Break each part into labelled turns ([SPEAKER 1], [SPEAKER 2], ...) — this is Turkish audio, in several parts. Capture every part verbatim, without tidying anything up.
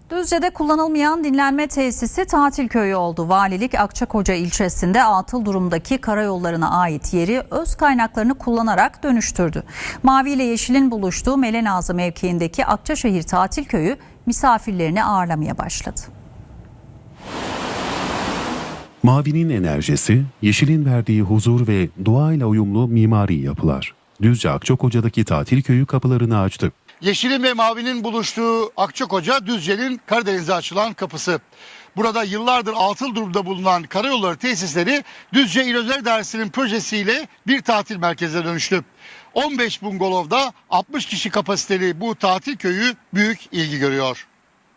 [SPEAKER 1] Düzce'de kullanılmayan dinlenme tesisi tatil köyü oldu. Valilik Akçakoca ilçesinde atıl durumdaki karayollarına ait yeri öz kaynaklarını kullanarak dönüştürdü. Mavi ile Yeşil'in buluştuğu Melenazı mevkiindeki Akçaşehir tatil köyü misafirlerini ağırlamaya başladı.
[SPEAKER 2] Mavinin enerjisi, yeşilin verdiği huzur ve doğayla uyumlu mimari yapılar. Düzce Akçakoca'daki tatil köyü kapılarını açtı.
[SPEAKER 3] Yeşilin ve mavinin buluştuğu Akçakoca, Düzce'nin Karadeniz'e açılan kapısı. Burada yıllardır atıl durumda bulunan karayolları tesisleri Düzce İl Özel İdaresi'nin projesiyle bir tatil merkezine dönüştü. on beş bungalovda altmış kişi kapasiteli bu tatil köyü büyük ilgi görüyor.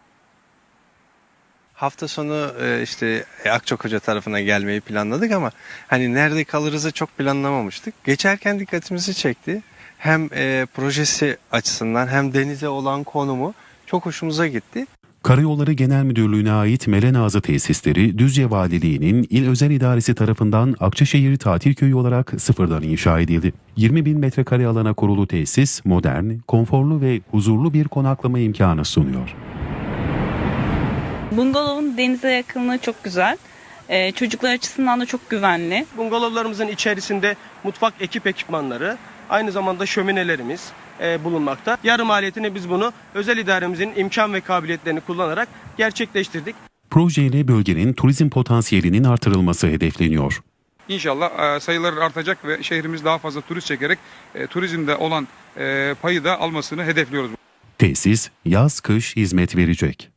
[SPEAKER 4] Hafta sonu işte Akçakoca tarafına gelmeyi planladık ama hani nerede kalırızı çok planlamamıştık. Geçerken dikkatimizi çekti. Hem e, projesi açısından hem denize olan konumu çok hoşumuza gitti.
[SPEAKER 2] Karayolları Genel Müdürlüğü'ne ait Melenazı tesisleri Düzce Valiliği'nin İl Özel İdaresi tarafından Akçaşehir Tatil Köyü olarak sıfırdan inşa edildi. yirmi bin metrekare alana kurulu tesis modern, konforlu ve huzurlu bir konaklama imkanı sunuyor.
[SPEAKER 5] Bungalovun denize yakınlığı çok güzel. Ee, çocuklar açısından da çok güvenli.
[SPEAKER 6] Bungalovlarımızın içerisinde mutfak ekip ekipmanları, aynı zamanda şöminelerimiz e, bulunmakta. Yarı maliyetini biz bunu özel idaremizin imkan ve kabiliyetlerini kullanarak gerçekleştirdik.
[SPEAKER 2] Projeyle bölgenin turizm potansiyelinin artırılması hedefleniyor.
[SPEAKER 7] İnşallah sayıları artacak ve şehrimiz daha fazla turist çekerek e, turizmde olan e, payı da almasını hedefliyoruz.
[SPEAKER 2] Tesis yaz kış hizmet verecek.